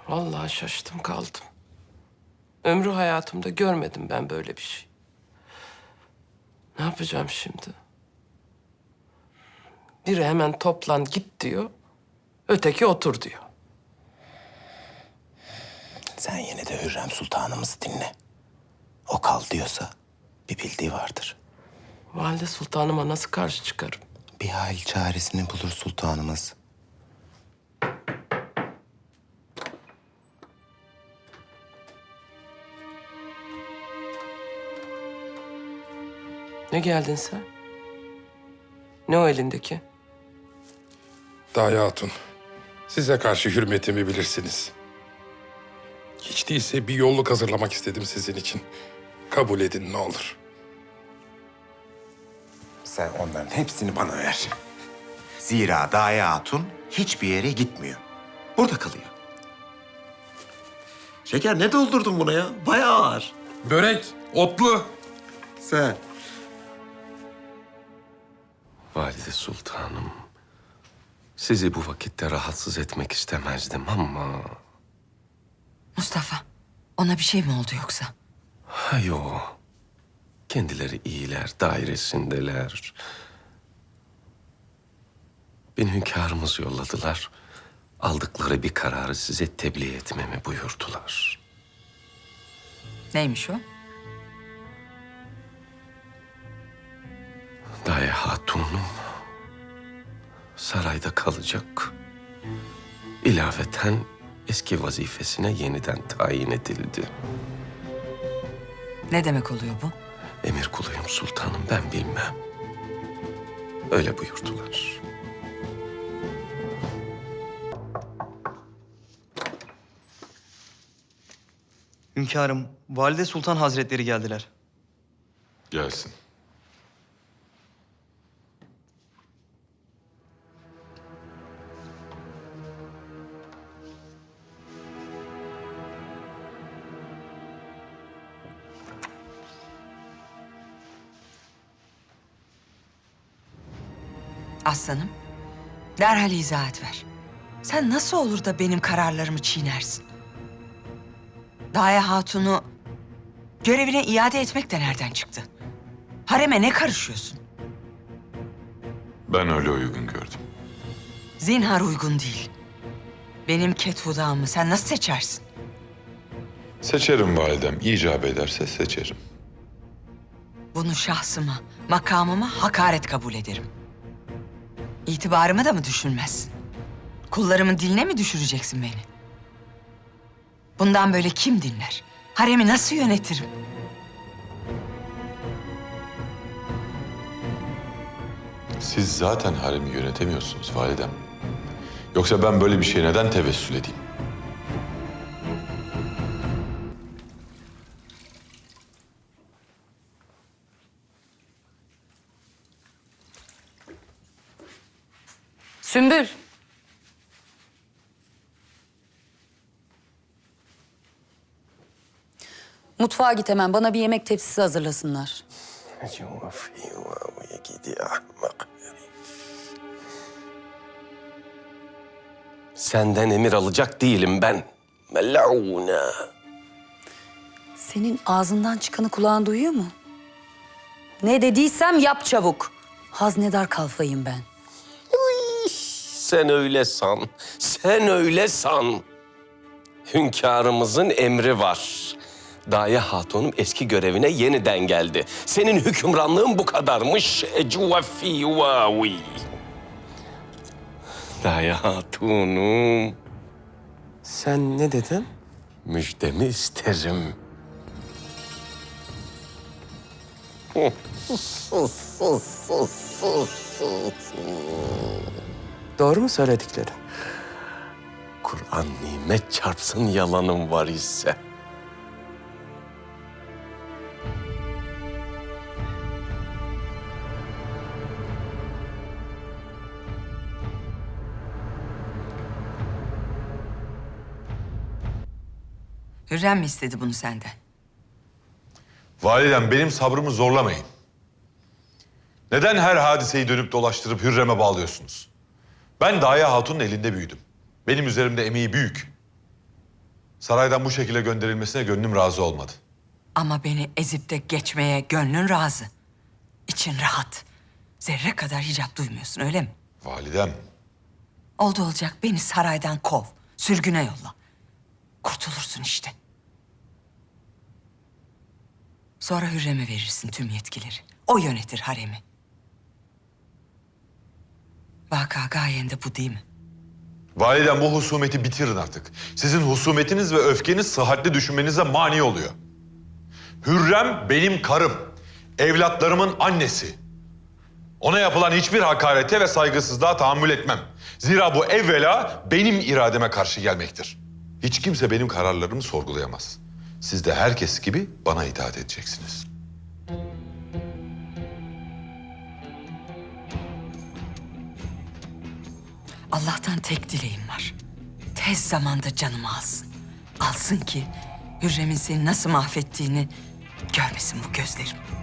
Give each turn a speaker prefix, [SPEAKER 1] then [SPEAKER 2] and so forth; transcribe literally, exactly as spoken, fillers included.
[SPEAKER 1] Vallahi şaştım kaldım. Ömrü hayatımda görmedim ben böyle bir şey. Ne yapacağım şimdi? Biri hemen toplan git diyor. Öteki otur diyor.
[SPEAKER 2] Sen yine de Hürrem Sultanımızı dinle. O kal diyorsa bir bildiği vardır.
[SPEAKER 1] Valide sultanıma nasıl karşı çıkarım?
[SPEAKER 2] Bir hal çaresini bulur sultanımız.
[SPEAKER 1] Ne geldin sen? Ne o elindeki?
[SPEAKER 3] Daye Hatun, size karşı hürmetimi bilirsiniz. Hiç değilse bir yolluk hazırlamak istedim sizin için. Kabul edin ne olur.
[SPEAKER 2] Sen onların hepsini bana ver. Zira Daye Hatun hiçbir yere gitmiyor. Burada kalıyor. Şeker ne doldurdun buna ya? Bayağı ağır.
[SPEAKER 3] Börek, otlu.
[SPEAKER 2] Sen.
[SPEAKER 4] Valide Sultanım, sizi bu vakitte rahatsız etmek istemezdim ama...
[SPEAKER 5] Mustafa, ona bir şey mi oldu yoksa?
[SPEAKER 4] Ha yo, kendileri iyiler, dairesindeler. Beni hünkârımız yolladılar. Aldıkları bir kararı size tebliğ etmemi buyurdular.
[SPEAKER 5] Neymiş o?
[SPEAKER 4] Daye Hatun'um sarayda kalacak. İlaveten eski vazifesine yeniden tayin edildi.
[SPEAKER 5] Ne demek oluyor bu?
[SPEAKER 4] Emir kuluyum sultanım, ben bilmem. Öyle buyurdular.
[SPEAKER 6] Hünkârım, Valide Sultan Hazretleri geldiler.
[SPEAKER 7] Gelsin.
[SPEAKER 5] Aslanım, derhal izahat ver. Sen nasıl olur da benim kararlarımı çiğnersin? Daye Hatun'u görevine iade etmek de nereden çıktı? Hareme ne karışıyorsun?
[SPEAKER 7] Ben öyle uygun gördüm.
[SPEAKER 5] Zinhar uygun değil. Benim Kethuda'mı sen nasıl seçersin?
[SPEAKER 7] Seçerim validem. İcap ederse seçerim.
[SPEAKER 5] Bunu şahsıma, makamıma hakaret kabul ederim. İtibarımı da mı düşünmezsin? Kullarımın diline mi düşüreceksin beni? Bundan böyle kim dinler? Haremi nasıl yönetirim?
[SPEAKER 7] Siz zaten haremi yönetemiyorsunuz validem. Yoksa ben böyle bir şeye neden tevessül edeyim?
[SPEAKER 8] Sümbül. Mutfağa git hemen. Bana bir yemek tepsisi hazırlasınlar.
[SPEAKER 4] Yuvafi yuvaviye gidi ahmak herif. Senden emir alacak değilim ben. Melûne.
[SPEAKER 8] Senin ağzından çıkanı kulağın duyuyor mu? Ne dediysem yap çabuk. Haznedar kalfayım ben.
[SPEAKER 4] Sen öyle san, sen öyle san. Hünkârımızın emri var. Daye Hatun'um eski görevine yeniden geldi. Senin hükümranlığın bu kadarmış. Ecvafi yuvavi. Daye Hatun'um.
[SPEAKER 1] Sen ne dedin?
[SPEAKER 4] Müjdemi isterim.
[SPEAKER 1] Doğru mu söyledikleri?
[SPEAKER 4] Kur'an nimet çarpsın yalanım var ise.
[SPEAKER 5] Hürrem mi istedi bunu senden?
[SPEAKER 7] Validem benim sabrımı zorlamayın. Neden her hadiseyi dönüp dolaştırıp Hürrem'e bağlıyorsunuz? Ben Daye Hatun'un elinde büyüdüm. Benim üzerimde emeği büyük. Saraydan bu şekilde gönderilmesine gönlüm razı olmadı.
[SPEAKER 5] Ama beni ezip de geçmeye gönlün razı. İçin rahat. Zerre kadar hicap duymuyorsun öyle mi?
[SPEAKER 7] Validem,
[SPEAKER 5] Oldu olacak beni saraydan kov. Sürgüne yolla. Kurtulursun işte. Sonra Hürrem'e verirsin tüm yetkileri. O yönetir haremi. Vaka gayen de bu değil mi?
[SPEAKER 7] validem bu husumeti bitirin artık. Sizin husumetiniz ve öfkeniz sıhhatli düşünmenize mani oluyor. Hürrem benim karım, evlatlarımın annesi. Ona yapılan hiçbir hakarete ve saygısızlığa tahammül etmem. Zira bu evvela benim irademe karşı gelmektir. Hiç kimse benim kararlarımı sorgulayamaz. Siz de herkes gibi bana itaat edeceksiniz.
[SPEAKER 5] Allah'tan tek dileğim var. Tez zamanda canımı alsın. Alsın ki Hürrem'in seni nasıl mahvettiğini görmesin bu gözlerim.